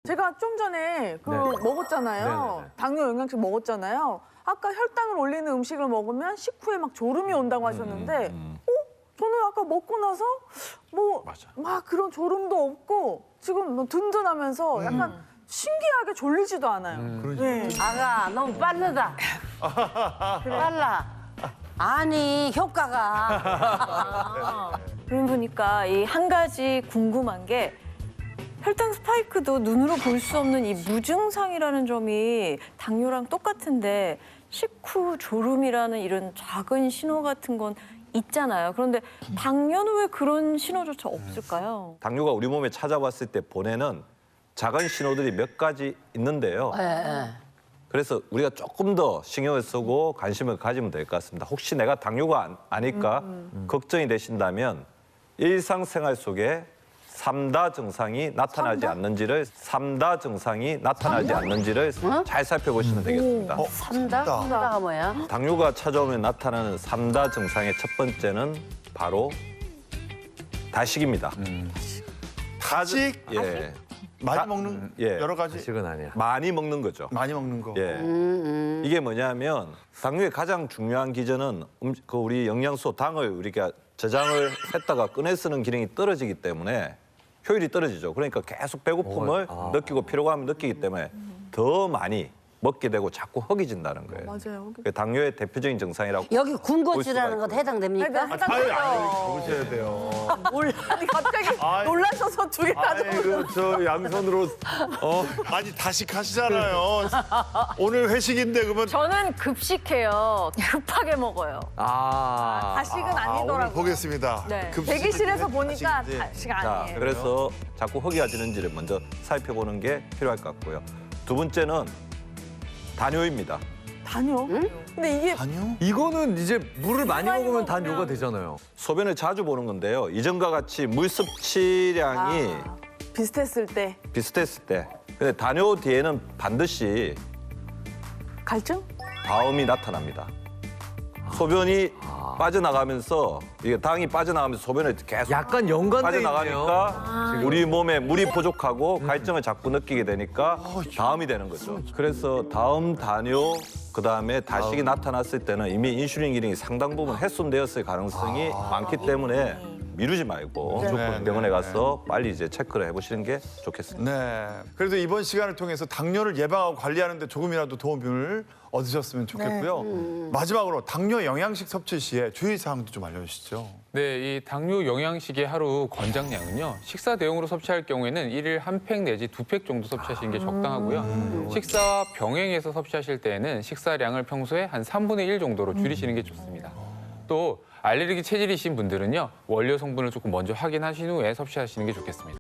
제가 좀 전에 먹었잖아요. 네네네. 당뇨 영양식 먹었잖아요. 아까 혈당을 올리는 음식을 먹으면 식후에 막 졸음이 온다고 하셨는데 저는 아까 먹고 나서 맞아. 막 그런 졸음도 없고 지금 뭐 든든하면서 약간 신기하게 졸리지도 않아요. 네. 아가 너무 빠르다. 빨라. 아니 효과가. 그러고 보니까 이 한 가지 궁금한 게 혈당 스파이크도 눈으로 볼 수 없는 이 무증상이라는 점이 당뇨랑 똑같은데 식후 졸음이라는 이런 작은 신호 같은 건 있잖아요. 그런데 당뇨는 왜 그런 신호조차 없을까요? 당뇨가 우리 몸에 찾아왔을 때 보내는 작은 신호들이 몇 가지 있는데요. 그래서 우리가 조금 더 신경을 쓰고 관심을 가지면 될 것 같습니다. 혹시 내가 당뇨가 아닐까 걱정이 되신다면 일상생활 속에 삼다 증상이 나타나지 않는지를 잘 살펴보시면 되겠습니다. 삼다? 삼다가 뭐야? 당뇨가 찾아오면 나타나는 삼다 증상의 첫 번째는 바로 다식입니다. 다식? 예. 많이 먹는 예. 여러 가지 식은 아니야. 많이 먹는 거죠. 많이 먹는 거. 예. 이게 뭐냐면 당뇨의 가장 중요한 기전은 그 우리 영양소 당을 우리가 저장을 했다가 꺼내 쓰는 기능이 떨어지기 때문에 효율이 떨어지죠. 그러니까 계속 배고픔을 느끼고 피로감을 느끼기 때문에 더 많이 먹게 되고 자꾸 허기진다는 거예요. 맞아요. 그게 당뇨의 대표적인 증상이라고. 여기 볼 군것질하는 수가 것도 해당됩니까? 보셔야 돼요. 아니 갑자기 놀라셔서 두 개 다 아이고 저 양손으로 아니 다식하시잖아요. 오늘 회식인데 그러면 저는 급식해요. 급하게 먹어요. 다식은 오늘 아니더라고요. 보겠습니다. 네. 급식을 대기실에서 보니까 다식인지. 다식 자, 아니에요. 그래서 자꾸 허기가 지는지를 먼저 살펴보는 게 필요할 것 같고요. 두 번째는 단뇨입니다. 단요? 근데 이게 아니요. 이거는 이제 물을 많이 많이 먹으면 먹으면 단뇨가 되잖아요. 소변을 자주 보는 건데요. 이전과 같이 물 섭취량이 비슷했을 때 비슷했을 때. 근데 단뇨 뒤에는 반드시 갈증? 다음이 나타납니다. 소변이 빠져나가면서 이게 당이 빠져나가면서 소변을 계속 약간 연관돼 있네요. 빠져나가니까 우리 몸에 물이 부족하고 갈증을 자꾸 느끼게 되니까 다음이 되는 거죠. 그래서 다음 단뇨 그다음에 다식이 나타났을 때는 이미 인슐린 기능이 상당 부분 훼손되었을 가능성이 많기 때문에 미루지 말고 무조건 병원에 가서 빨리 이제 체크를 해보시는 게 좋겠습니다. 네. 그래도 이번 시간을 통해서 당뇨를 예방하고 관리하는 데 조금이라도 도움을 얻으셨으면 좋겠고요. 마지막으로 당뇨 영양식 섭취 시에 주의사항도 좀 알려주시죠. 네, 이 당뇨 영양식의 하루 권장량은요. 식사 대용으로 섭취할 경우에는 일일 한 팩 내지 두 팩 정도 섭취하시는 게 적당하고요. 식사와 병행해서 섭취하실 때에는 식사량을 평소에 한 3분의 1 정도로 줄이시는 게 좋습니다. 또 알레르기 체질이신 분들은요. 원료 성분을 조금 먼저 확인하신 후에 섭취하시는 게 좋겠습니다.